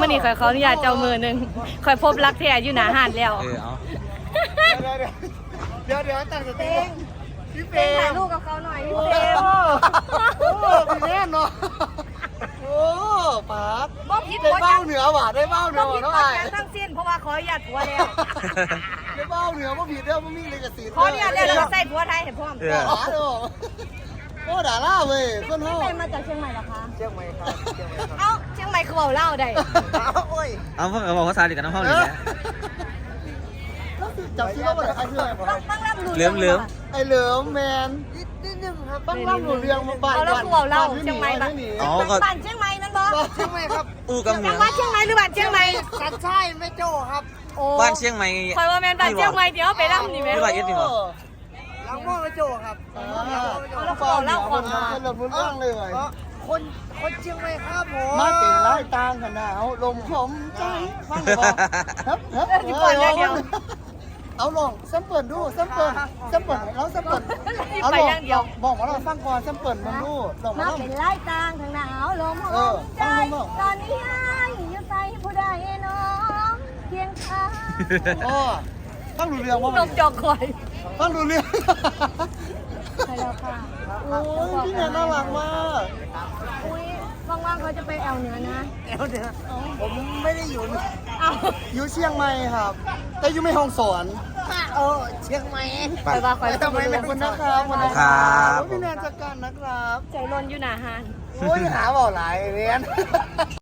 มื่อนี้ข่อยขออนุญาตเจ้ามือหนึ่งข่อยพบรักแท้อยู่หน้าห้านแล้วเอาเดี๋ยวตั้งสติพี่เฟเป็นรถ่ายมรูปกับเขาหน่อยพี่โอ้เฟรมพี่แน่นเนาะโอ้ป๋าบ่ผิดได้บ่เบ้าจังเหนือว่ะได้เบ้าเหนืบ่อผิดน้องบ่ไอ้จังทั้งสิ้นเพราะว่าขออนุญาตผัวแล้วได้เบ้าเหนือว่าผิดเด้อมันมีเลยกับสีขออนุญาตแล้วเราใส่ผัวไทยให้พร้อมด่าล่าเด้อโอ้ด่าล่าเว้ยคนพี่เฮาเป็นมาจากเชียงใหม่เหรอคะเชียงใหม่ครับเชียงใหม่ครับเอ้าเชียงใหม่คือเว้าเล่าวได้โอ้ยเอาเพิ่งบอกภาษาดีกับน้องพ่อเลยนะจับชื่อว่าใครชื่ออะไรต้องรับรู้เหลือมไอ้เหลิมแมนนิดนึงครับต้องรับรู้เรื่องมาบ้านเอาแล้วคือเว้าเล่าวเชียงใหม่บ้าบ้าน นหนีอ๋อก็บ้านเชียงใหม่นั่นบ่เชียงใหม่ครับอู้กับเหนืจัองหวัดเชียงใหม่หรือบ้านเชียงใหม่สัตว์ใช่ไม่โจ้ครับโอ้บ้านเชียงใหม่คอยว่าแม่นบ้านเชียงใหม่เดี๋ยวไปรับนี่แม่ไม่ว่าเอ็ดดีกว่าหลังม่อไม่โจ้ครับแล้วขอเล่าก่อนมาเรื่องรู้เรื่องเลยคนเชียงใหม่ครับผมมาเป็นไล่ตางขนาวลมผมใจฟังบอกครับเอาลองซ้ำเปิดดูซ้ำเปิดแล้วซ้ำเปิดเอาลองบอกว่าเราฟังก่อนซ้ำเปิดมันดูลองมามาลองเป็นไล่ตางทางหนาวลมหอมใจตอนนี้ให้อยู่ใส่ผู้ใดน้องเพียงข้างอ๋อฟังรู้เรื่องว่านมจอกคอยฟังรู้เรื่องใช่แล้วค่ะโอ้ยพี่แนนน่ารักมากอุ้ยว่างๆเขาจะไปแอลเหนือนะผมไม่ได้อยู่เอาอยู่เชียงใหม่ครับ แต่อยู่ไม่ห้องสอนเชียงใหม่คอยว่าคอยทำไมไม่คุณนะครับครับพี่แนนจัดการนะครับใจร้อนอยู่หนาหานโอ้ยหาเบาหลายเรียน